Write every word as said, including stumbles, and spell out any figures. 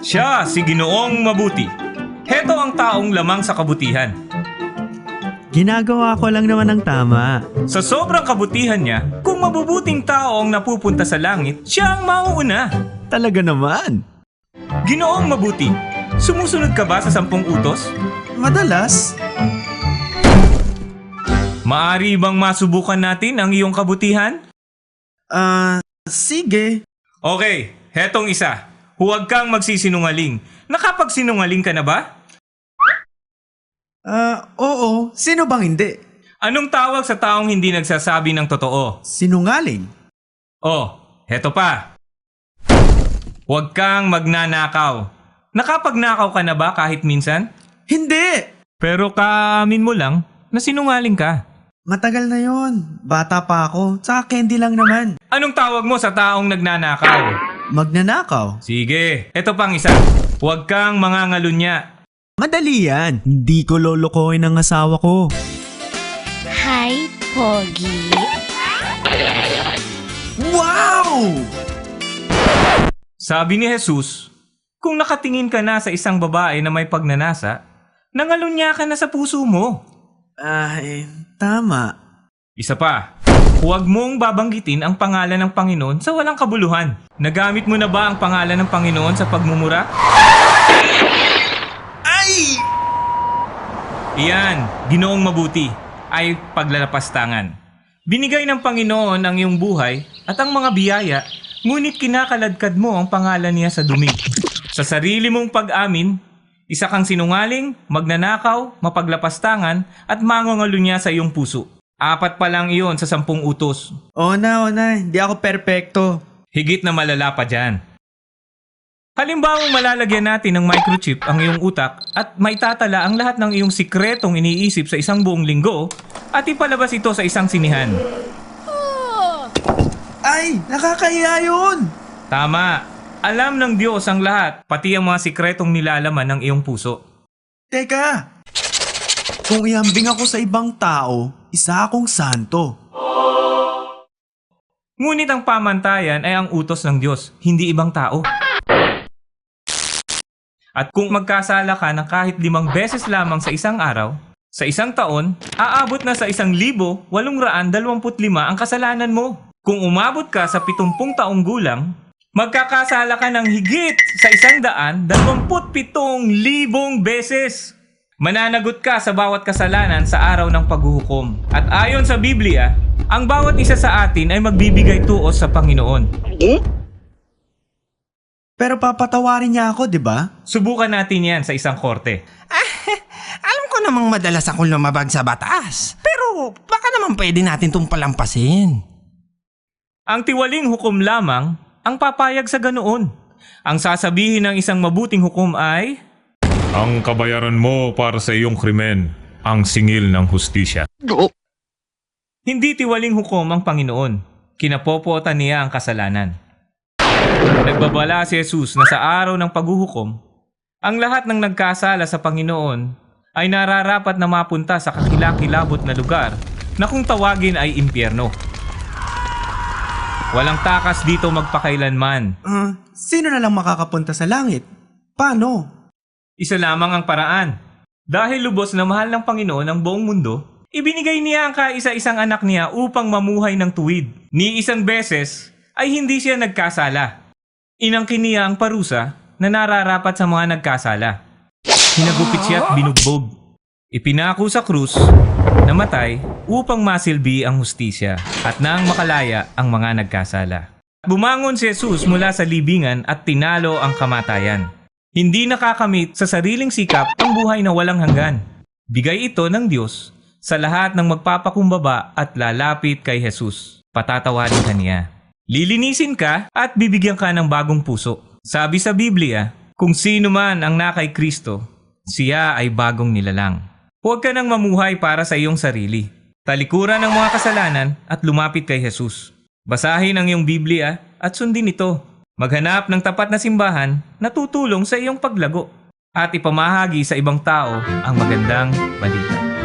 Siya si Ginoong Mabuti. Heto ang taong lamang sa kabutihan. Ginagawa ko lang naman ang tama. Sa sobrang kabutihan niya, kung mabubuting tao ang napupunta sa langit, siya ang mauuna. Talaga naman. Ginoong Mabuti, sumusunod ka ba sa sampung utos? Madalas. Maari bang masubukan natin ang iyong kabutihan? Ah, sige. Okay, hetong isa. Huwag kang magsisinungaling. Nakapagsinungaling ka na ba? Ah, oo. Sino bang hindi? Anong tawag sa taong hindi nagsasabi ng totoo? Sinungaling. Oh, heto pa. Huwag kang magnanakaw. Nakapagnakaw ka na ba kahit minsan? Hindi! Pero kaamin mo lang na sinungaling ka. Matagal na yon. Bata pa ako. Tsaka candy lang naman. Anong tawag mo sa taong nagnanakaw? Magnanakaw. Sige, eto pang isa. Huwag kang mangangalunya. Madali yan. Hindi ko lolokohin ang asawa ko. Hi, Pogi. Wow! Sabi ni Jesus, kung nakatingin ka na sa isang babae na may pagnanasa, nangalunya ka na sa puso mo. Ay, tama. Isa pa, huwag mong babanggitin ang pangalan ng Panginoon sa walang kabuluhan. Nagamit mo na ba ang pangalan ng Panginoon sa pagmumura? Ay! Iyan, Ginoong Mabuti, ay paglalapastangan. Binigay ng Panginoon ang iyong buhay at ang mga biyaya, ngunit kinakaladkad mo ang pangalan niya sa dumi. Sa sarili mong pag-amin, isa kang sinungaling, magnanakaw, mapaglapastangan at mangangalunya sa iyong puso. Apat pa lang iyon sa sampung utos. Oo na, oo na. Hindi ako perpekto. Higit na malala pa dyan. Halimbawang malalagyan natin ng microchip ang iyong utak at maitatala ang lahat ng iyong sikretong iniisip sa isang buong linggo at ipalabas ito sa isang sinihan. Ay, nakakahiya yun! Tama. Alam ng Diyos ang lahat, pati ang mga sikretong nilalaman ng iyong puso. Teka! Kung iambing ako sa ibang tao, isa akong santo. Ngunit ang pamantayan ay ang utos ng Diyos, hindi ibang tao. At kung magkasala ka ng kahit limang beses lamang sa isang araw, sa isang taon, aabot na sa isang libo, walong raan, dalawamput lima ang kasalanan mo. Kung umabot ka sa pitumpung taong gulang, magkakasala ka ng higit sa isang daan, dalawamput pitong libong beses. Mananagot ka sa bawat kasalanan sa araw ng paghuhukom. At ayon sa Biblia, ang bawat isa sa atin ay magbibigay tuos sa Panginoon. Pero papatawarin niya ako, di ba? Subukan natin yan sa isang korte. Alam ko namang madalas akong lumabag sa batas. Pero baka naman pwede natin itong palampasin. Ang tiwaling hukom lamang ang papayag sa ganoon. Ang sasabihin ng isang mabuting hukom ay, Ang kabayaran mo para sa iyong krimen, ang singil ng hustisya. hindi tiwaling hukom ang Panginoon. Kinapopotan niya ang kasalanan. Nagbabala si Jesus na sa araw ng paghuhukom, ang lahat ng nagkasala sa Panginoon ay nararapat na mapunta sa kakilakilabot na lugar na kung tawagin ay impyerno. Walang takas dito magpakailanman. Uh, sino na lang makakapunta sa langit? Paano? Isa lamang ang paraan. Dahil lubos na mahal ng Panginoon ang buong mundo, ibinigay niya ang kaisa-isang anak niya upang mamuhay ng tuwid. Ni isang beses ay hindi siya nagkasala. Inangkin niya ang parusa na nararapat sa mga nagkasala. Hinagupit siya at binugbog. Ipinako sa krus, namatay upang masilbi ang hustisya at nang makalaya ang mga nagkasala. Bumangon si Jesus mula sa libingan at tinalo ang kamatayan. Hindi nakakamit sa sariling sikap ang buhay na walang hanggan. Bigay ito ng Diyos sa lahat ng magpapakumbaba at lalapit kay Jesus. Patatawarin ka niya. Lilinisin ka at bibigyan ka ng bagong puso. Sabi sa Biblia, kung sino man ang nakay Kristo, siya ay bagong nilalang. Huwag ka nang mamuhay para sa iyong sarili. Talikuran ang mga kasalanan at lumapit kay Jesus. Basahin ang iyong Biblia at sundin ito. Maghanap ng tapat na simbahan na tutulong sa iyong paglago at ipamahagi sa ibang tao ang magandang balita.